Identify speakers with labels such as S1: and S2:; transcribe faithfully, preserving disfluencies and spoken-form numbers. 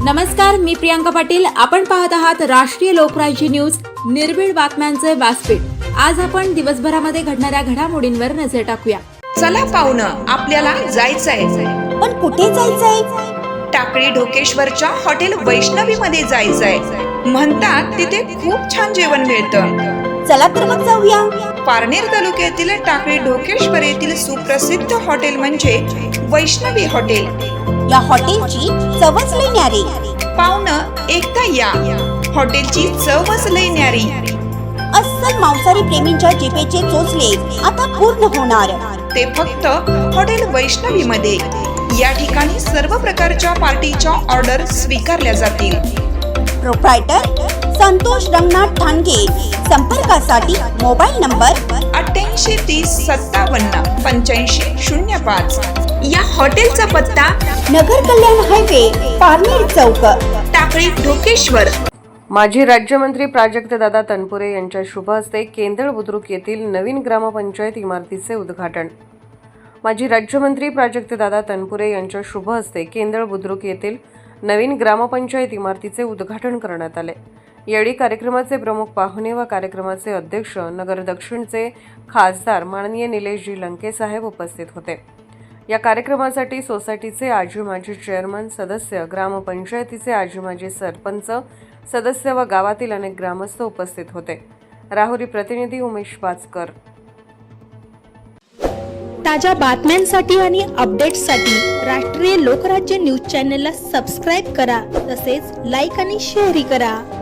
S1: नमस्कार, मी प्रियांका पाटील. आपण पाहत आहात राष्ट्रीय लोकराज्य न्यूज, निर्भीड बातम्यांचे व्यासपीठ. आज आपण दिवसभरामध्ये घडणाऱ्या घडामोडींवर नजर टाकूया.
S2: चला पाहुणं, आपल्याला जायचंय.
S3: पण कुठे जायचंय?
S2: टाकळी ढोकेश्वरच्या हॉटेल वैष्णवी मध्ये जायचंय. म्हणतात तिथे खूप छान जेवण मिळतं.
S3: चला तर मग जाऊया.
S2: पारनेर तालुक्यातील टाकळी ढोकेश्वर येथील सुप्रसिद्ध हॉटेल म्हणजे वैष्णवी हॉटेल.
S3: या हॉटेलची चवच लई न्यारी.
S2: पाहुणं, एकदा या. हॉटेलची चवच लई न्यारी.
S3: अस्सल मांसाहारी प्रेमींच्या जिभेचे चोचले आता पूर्ण होणार.
S2: ते फक्त हॉटेल वैष्णवी मध्ये. या ठिकाणी सर्व प्रकारच्या पार्टीच्या ऑर्डर स्वीकारल्या जातील.
S3: प्रोप्रायटर संतोष रंगनाथ ठाणगे. संपर्कासाठी मोबाईल नंबर
S2: अठ्ठ्याऐंशी तीस सत्तावन्न पंच्याऐंशी शून्य पाच. या हॉटेलचा पत्ता
S3: नगर कल्याण हायवे, पारनेर चौक,
S2: टाकळी ढोकेश्वर.
S4: माजी राज्यमंत्री प्राजक्तदादा तनपुरे यांच्या शुभ हस्ते केंद्र बुद्रुक येथील नवीन ग्रामपंचायत इमारतीचे उद्घाटन. माजी राज्यमंत्री प्राजक्तदादा तनपुरे यांच्या शुभ हस्ते केंद्र बुद्रुक येथील नवीन ग्रामपंचायत इमारतीचे उद्घाटन करण्यात आले. यावेळी कार्यक्रमाचे प्रमुख पाहुणे व कार्यक्रमाचे अध्यक्ष नगर दक्षिणचे खासदार माननीय निलेशजी लंके साहेब उपस्थित होते. या कार्यक्रमासाठी सोसायटीचे आजी माजी चेअरमन सदस्य, ग्रामपंचायतीचे आजी माजी सरपंच सदस्य व गावातील अनेक ग्रामस्थ उपस्थित होते. राहुरी प्रतिनिधी उमेश पाचकर.
S5: ताज्या बातम्यांसाठी आणि अपडेट्ससाठी राष्ट्रीय लोकराज्य न्यूज चॅनलला सबस्क्राईब करा. तसेच लाईक आणि शेअरही करा.